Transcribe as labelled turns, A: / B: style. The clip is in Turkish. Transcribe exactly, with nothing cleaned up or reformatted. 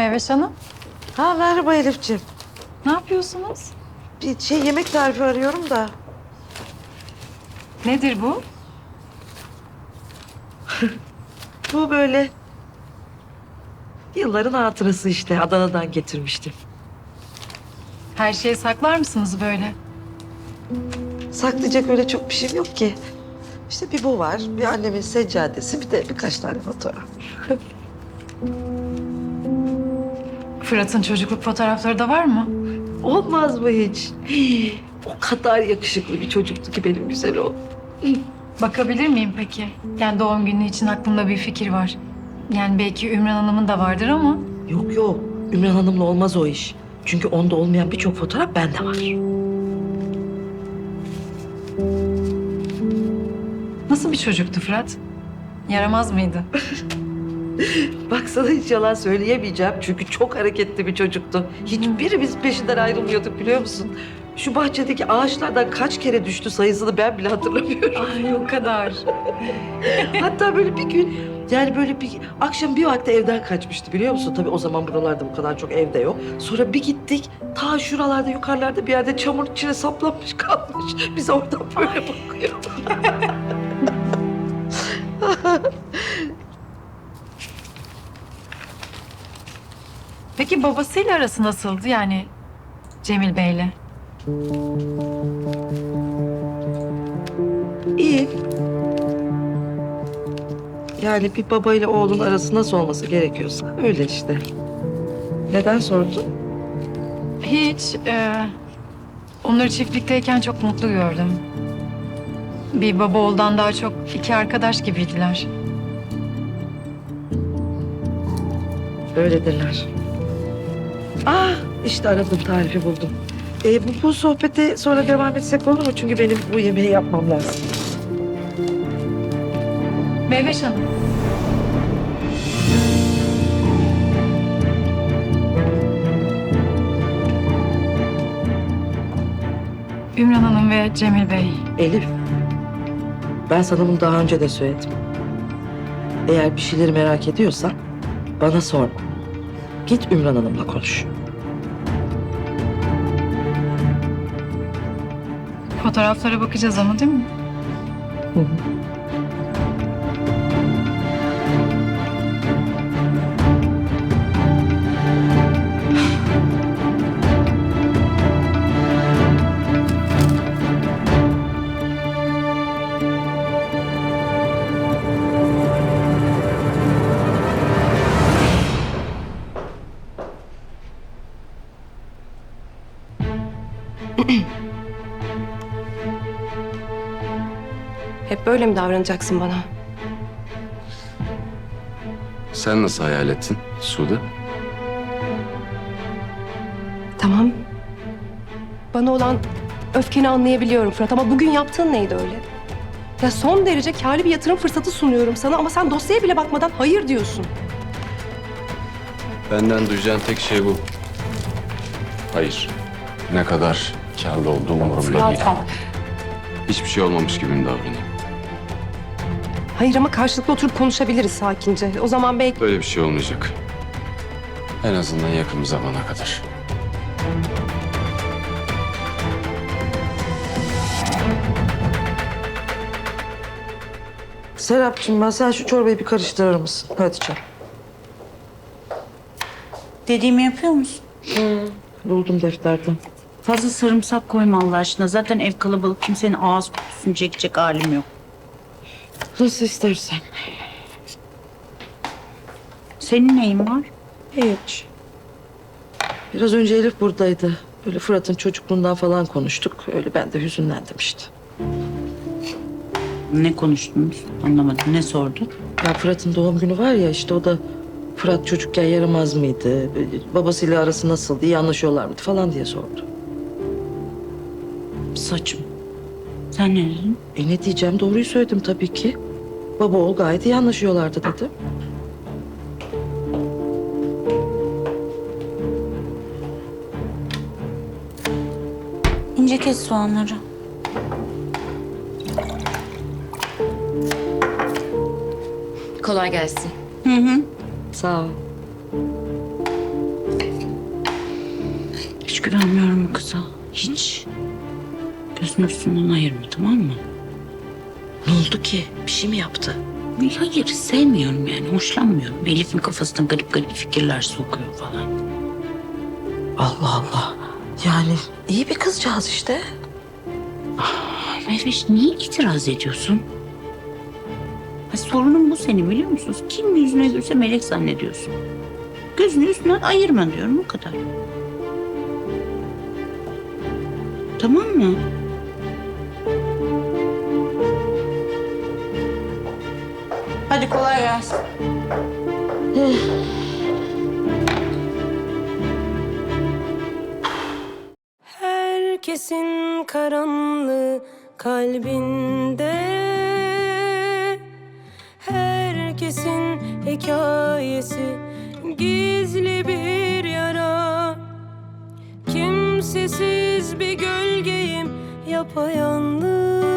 A: Meyveş Hanım,
B: Ha merhaba Elifciğim.
A: ne yapıyorsunuz?
B: Bir şey yemek tarifi arıyorum da.
A: Nedir bu?
B: Bu böyle yılların hatırası işte. Adana'dan getirmiştim.
A: Her şeyi saklar mısınız böyle?
B: Saklayacak öyle çok bir şeyim yok ki. İşte bir bu var, bir annemin seccadesi, bir de birkaç tane fotoğraf.
A: Fırat'ın çocukluk fotoğrafları da var mı?
B: Olmaz mı hiç? Hii, o kadar yakışıklı bir çocuktu ki benim güzel oğlum.
A: Bakabilir miyim peki? Yani doğum günü için aklımda bir fikir var. Yani belki Ümran Hanım'ın da vardır ama...
B: Yok yok, Ümran Hanım'la olmaz o iş. Çünkü onda olmayan birçok fotoğraf bende var.
A: Nasıl bir çocuktu Fırat? Yaramaz mıydı?
B: Bak sana hiç yalan söyleyemeyeceğim çünkü çok hareketli bir çocuktu. Hiçbirimiz peşinden ayrılmıyorduk biliyor musun? Şu bahçedeki ağaçlardan kaç kere düştü sayısını ben bile hatırlamıyorum.
A: Ay o kadar.
B: Hatta böyle bir gün yani böyle bir akşam bir vakti evden kaçmıştı biliyor musun? Tabii o zaman buralarda bu kadar çok evde yok. Sonra bir gittik ta şuralarda yukarılarda bir yerde çamur içine saplanmış kalmış. Biz oradan böyle bakıyor.
A: Peki babasıyla arası nasıldı yani Cemil Bey'le?
B: İyi. Yani bir babayla oğlun arası nasıl olması gerekiyorsa öyle işte. Neden sordun?
A: Hiç. E, onları çiftlikteyken çok mutlu gördüm. Bir baba oğuldan daha çok iki arkadaş gibiydiler.
B: Öyledirler. Ah işte aradım tarifi buldum. Ee, bu, bu sohbete sonra devam etsek olur mu? Çünkü benim bu yemeği yapmam lazım.
A: Meyveş Hanım. Ümran Hanım ve Cemil Bey.
B: Elif, ben sana bunu daha önce de söyledim. Eğer bir şeyleri merak ediyorsan bana sorma. Git Ümran Hanım'la konuş.
A: Fotoğraflara bakacağız ama değil mi?
B: Hı hı.
C: Hep böyle mi davranacaksın bana?
D: Sen nasıl hayal ettin Sude?
C: Tamam. Bana olan öfkeni anlayabiliyorum Fırat ama bugün yaptığın neydi öyle? Ya son derece kârlı bir yatırım fırsatı sunuyorum sana ama sen dosyaya bile bakmadan hayır diyorsun.
D: Benden duyacağın tek şey bu. Hayır. Ne kadar kârlı olduğum umurumda değil. Hiçbir şey olmamış gibi mi davranayım?
C: Hayır ama karşılıklı oturup konuşabiliriz sakince. O zaman belki...
D: Böyle bir şey olmayacak. En azından yakın bir zamana kadar.
B: Serapcığım ben sen şu çorbayı bir karıştırır mısın? Hadi canım.
E: Dediğimi yapıyor musun?
B: Buldum defterden.
E: Fazla sarımsak koyma Allah aşkına. Zaten ev kalabalık. Kimsenin ağız kokusunu çekecek halim yok.
B: Nasıl istersen.
E: Senin neyin var?
B: Hiç. Biraz önce Elif buradaydı. Böyle Fırat'ın çocukluğundan falan konuştuk. Öyle ben de hüzünlendim işte.
E: Ne konuştunuz? Anlamadım. Ne sordu?
B: Ya Fırat'ın doğum günü var ya işte o da Fırat çocukken yaramaz mıydı? Babasıyla arası nasıldı? İyi anlaşıyorlar mıydı falan diye sordu.
E: Saçım. Sen ne dedin?
B: E ne diyeceğim? Doğruyu söyledim tabii ki. Baba oğul gayet iyi anlaşıyorlardı dedim.
E: İnce kes soğanları.
F: Kolay gelsin.
E: Hı hı.
B: Sağ ol.
E: Hiç güvenmiyorum bu kıza. Hiç. Gözünü üstünden ayırma, tamam mı?
B: Ne oldu ki? Bir şey mi yaptı?
E: Hayır, sevmiyorum yani. Hoşlanmıyorum. Elif'in kafasına garip garip fikirler sokuyor falan.
B: Allah Allah. Yani iyi bir kızcağız işte.
E: Mehveş, niye itiraz ediyorsun? Ha, sorunun bu senin, biliyor musun? Kim yüzüne gülse melek zannediyorsun. Gözünü üstünden ayırma diyorum, o kadar. Tamam mı? Hadi kolay gelsin.
F: Herkesin karanlığı kalbinde, herkesin hikayesi gizli bir yara. Kimsesiz bir gölgeyim yapayalnız.